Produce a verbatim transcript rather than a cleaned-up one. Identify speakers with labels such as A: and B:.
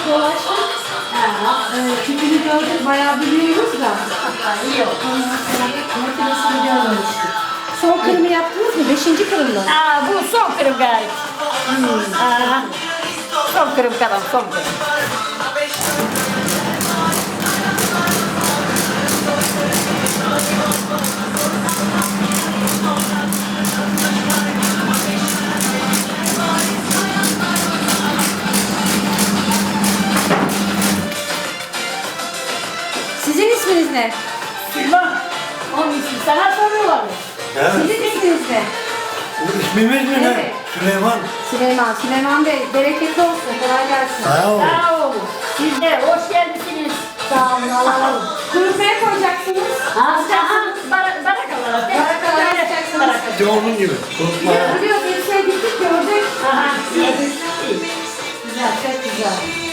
A: dolaştık.
B: Ha.
A: Ee, tipini gördük, bayağı biliyoruz da.
B: Ha, iyi oldu.
A: Ondan sonra makinesini görmemiştik. Son kırımı yaptınız mı? Beşinci kırımda.
B: Aa, bu son kırım gayet.
A: Hmm.
B: Aa, son kırım kadar son kırım.
A: Sizin isminiz ne?
B: Süleyman, onun ismi sana soruyorlar mı?
C: Evet.
A: Sizin isminiz ne?
C: Bu ismimiz mi ne?
A: Evet.
C: Süleyman.
A: Süleyman. Süleyman Bey, bereketli olsun. Kolay gelsin.
C: Sağ ol.
B: Sağ olun. Siz de hoş geldiniz. Sağ olun, alalım.
A: Kurutmaya koyacaksınız.
B: Ha, aha, bar barakalar.
A: Barakalar yapacaksınız.
B: Barakalar.
C: İşte onun gibi. Korkma.
A: Biliyoruz, elbiseye gittik gördük.
B: Aha, iyi.
A: Güzel, çok güzel.